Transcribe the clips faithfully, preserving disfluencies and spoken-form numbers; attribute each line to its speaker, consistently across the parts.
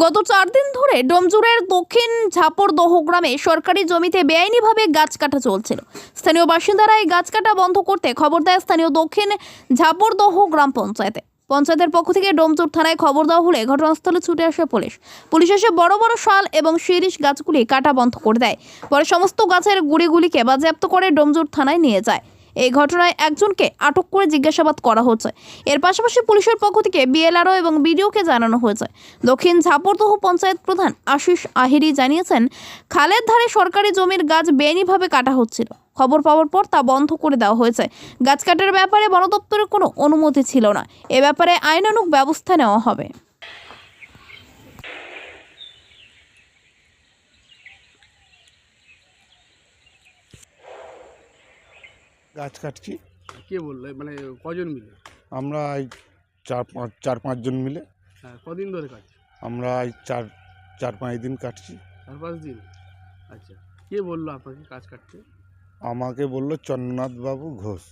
Speaker 1: গত চার দিন ধরে ডোমজুড়ের দক্ষিণ ঝাপড়দহ গ্রামে সরকারি জমিতে বেআইনিভাবে গাছ কাটা চলছিল। স্থানীয় বাসিন্দারা এই গাছ কাটা বন্ধ করতে খবর দেয় স্থানীয় দক্ষিণ ঝাপড়দহ গ্রাম পঞ্চায়েতে। পঞ্চায়েতের পক্ষ থেকে ডোমজুড় থানায় খবর দেওয়া হলে ঘটনাস্থলে ছুটে আসে পুলিশ। পুলিশ এসে বড় বড় শাল এবং শিরীষ গাছগুলি কাটা বন্ধ করে দেয়। পরে সমস্ত গাছের গুড়িগুলিকে বাজেয়াপ্ত করে ডোমজুড় থানায় নিয়ে যায়। এই ঘটনায় একজনকে আটক করে জিজ্ঞাসাবাদ করা হচ্ছে। এর পাশাপাশি পুলিশের পক্ষ থেকে বিএলআরও এবং বিডিওকে জানানো হয়েছে। দক্ষিণ ঝাপড়দহ পঞ্চায়েত প্রধান আশিস আহিরি জানিয়েছেন, খালের ধারে সরকারি জমির গাছ বেআইনিভাবে কাটা হচ্ছিল। খবর পাওয়ার পর তা বন্ধ করে দেওয়া হয়েছে। গাছ কাটার ব্যাপারে বন দপ্তরের কোনো অনুমতি ছিল না। এ ব্যাপারে আইনানুগ ব্যবস্থা নেওয়া হবে।
Speaker 2: গাছ কাটছি।
Speaker 3: কে বললো, মানে কজন মিলে?
Speaker 2: আমরা এই চার পাঁচ চার পাঁচজন মিলে।
Speaker 3: হ্যাঁ, কদিন ধরে কাজ?
Speaker 2: আমরা এই চার চার পাঁচ দিন কাটছি।
Speaker 3: চার পাঁচ দিন। আচ্ছা, কে বললো আপনাকে কাজ কাটতে?
Speaker 2: আমাকে বললো চন্দ্রনাথ বাবু ঘোষ।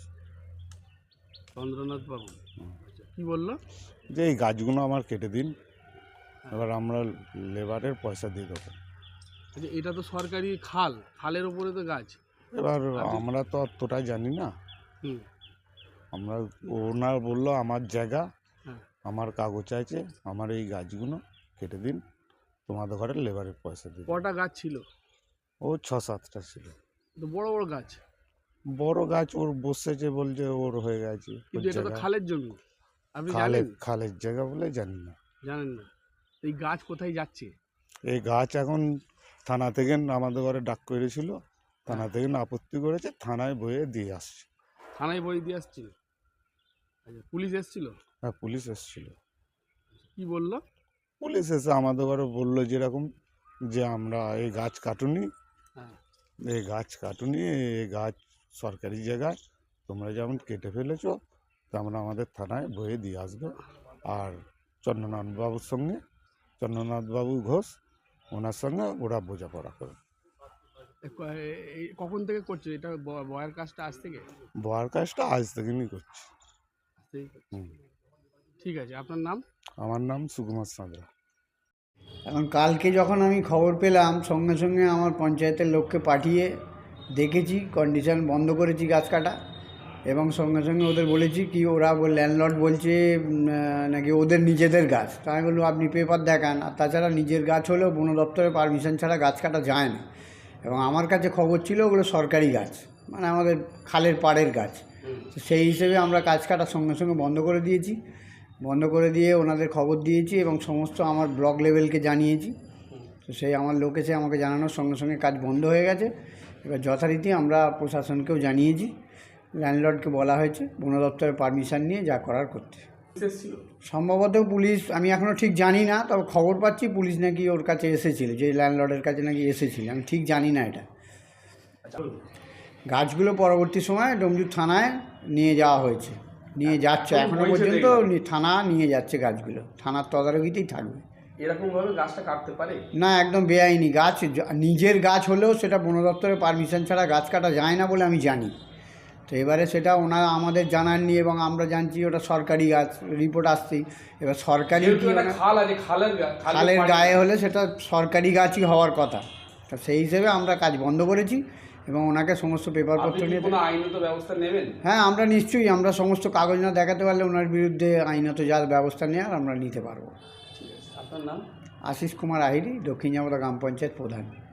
Speaker 3: চন্দ্রনাথ বাবু। আচ্ছা, কি বললো?
Speaker 2: যে এই গাছগুলো আমার কেটে দিন, এবার আমরা লেবারের পয়সা দিয়ে দেবো।
Speaker 3: আচ্ছা, এটা তো সরকারি খাল, খালের ওপরে তো গাছ।
Speaker 2: এবার আমরা তো অতটাই জানি না।
Speaker 3: হুম।
Speaker 2: আমরা ওনার বললো আমার জায়গা,
Speaker 3: হ্যাঁ।
Speaker 2: আমার কাগজ আছে, আমার এই গাছগুলো কেটে দিন, তোমাদের ঘরে লেবারের পয়সা দিয়ে দেবো।
Speaker 3: কটা গাছ ছিল?
Speaker 2: ও ছ সাতটা ছিল।
Speaker 3: তো বড় বড় গাছ।
Speaker 2: বড় গাছ ওর বসেছে, বলছে ওর হয়ে গেছে।
Speaker 3: কিন্তু এটা তো খালের জমি, আপনি
Speaker 2: খালের
Speaker 3: জানেন?
Speaker 2: খালের জায়গা বলে জানি না।
Speaker 3: জানেন না? এই গাছ কোথায় যাচ্ছে?
Speaker 2: এই গাছ এখন থানা থেকে আমাদের ঘরে ডাক করেছিল, থানা থেকে আপত্তি করেছে, থানায় বয়ে দিয়ে আসছে।
Speaker 3: থানায় বই দিয়ে আসছিল? আচ্ছা, পুলিশ এসেছিল?
Speaker 2: হ্যাঁ, পুলিশ এসেছিল।
Speaker 3: কি বললো?
Speaker 2: পুলিশ এসে আমাদের ঘরে বললো যেরকম যে আমরা এই গাছ কাটুনি,
Speaker 3: হ্যাঁ।
Speaker 2: এই গাছ কাটুনি, এই গাছ সরকারি জায়গায়, তোমরা যেমন কেটে ফেলেছো তেমন আমাদের থানায় বয়ে দিয়ে আসবে। আর চন্দ্রনাথ বাবুর সঙ্গে, চন্দ্রনাথ বাবু ঘোষ, ওনার সঙ্গে ওরা বোঝাপড়া করে।
Speaker 3: এই কখন থেকে করছে এটা, ব- বয়ের কাজটা আজ থেকে?
Speaker 2: বয়ার কাজটা আজ থেকেই করছি।
Speaker 3: ঠিক আছে।
Speaker 2: হুম।
Speaker 3: ঠিক আছে, আপনার নাম?
Speaker 2: আমার নাম সুকুমার সাঁতরা।
Speaker 4: এখন কালকে যখন আমি খবর পেলাম, সঙ্গে সঙ্গে আমার পঞ্চায়েতের লোককে পাঠিয়ে দেখেছি, কন্ডিশন বন্ধ করেছি গাছ কাটা, এবং সঙ্গে সঙ্গে ওদের বলেছি কি, ওরা ল্যান্ডলর্ড বলছে উম, আহ, নাকি ওদের নিজেদের গাছ। তাই আমি বললাম আপনি পেপার দেখান। আর তাছাড়া নিজের গাছ হলেও বন দপ্তরের পারমিশন ছাড়া গাছ কাটা যায় না। এবং আমার কাছে খবর ছিল ওগুলো সরকারি গাছ, মানে আমাদের খালের পাড়ের গাছ। তো সেই হিসেবে আমরা কাজ কাটা সঙ্গে সঙ্গে বন্ধ করে দিয়েছি। বন্ধ করে দিয়ে ওনাদের খবর দিয়েছি এবং সমস্ত আমার ব্লক লেভেলকে জানিয়েছি। তো সেই আমার লোক এসে আমাকে জানানোর সঙ্গে সঙ্গে কাজ বন্ধ হয়ে গেছে। এবার যথারীতি আমরা প্রশাসনকেও জানিয়েছি, ল্যান্ডলর্ডকে বলা হয়েছে বন দপ্তরের পারমিশন নিয়ে যা করার করতে। সম্ভবত পুলিশ, আমি এখনও ঠিক জানি না, তবে খবর পাচ্ছি পুলিশ নাকি ওর কাছে এসেছিল, যে ল্যান্ডলর্ডের কাছে নাকি এসেছিল। আমি ঠিক জানি না এটা। গাছগুলো পরবর্তী সময় ডোমজুড় থানায় নিয়ে যাওয়া হয়েছে, নিয়ে যাচ্ছে এখনো পর্যন্ত থানা নিয়ে যাচ্ছে গাছগুলো, থানার তদারকিতেই থাকবে।
Speaker 3: এরকমভাবে গাছটা কাটতে পারে
Speaker 4: না, একদম বেআইনি গাছ। নিজের গাছ হলেও সেটা বন দপ্তরের পারমিশন ছাড়া গাছ কাটা যায় না বলে আমি জানি। তো এবারে সেটা ওনারা আমাদের জানাননি এবং আমরা জানছি ওটা সরকারি গাছ, রিপোর্ট আসছেই। এবার সরকারি কি,
Speaker 3: খাল আছে, খালের
Speaker 4: খালের গায়ে হলে সেটা সরকারি গাছই হওয়ার কথা। তো সেই হিসেবে আমরা কাজ বন্ধ করেছি এবং ওনাকে সমস্ত পেপারপত্র নিয়ে।
Speaker 3: আইনত ব্যবস্থা নেবেন?
Speaker 4: হ্যাঁ, আমরা নিশ্চয়ই, আমরা সমস্ত কাগজ না দেখাতে পারলে ওনার বিরুদ্ধে আইনত যা ব্যবস্থা নেওয়ার আমরা নিতে পারবো।
Speaker 3: ঠিক আছে, আপনার নাম?
Speaker 4: আশিস কুমার আহিরি, দক্ষিণ ঝাপড়দহ গ্রাম পঞ্চায়েত প্রধান।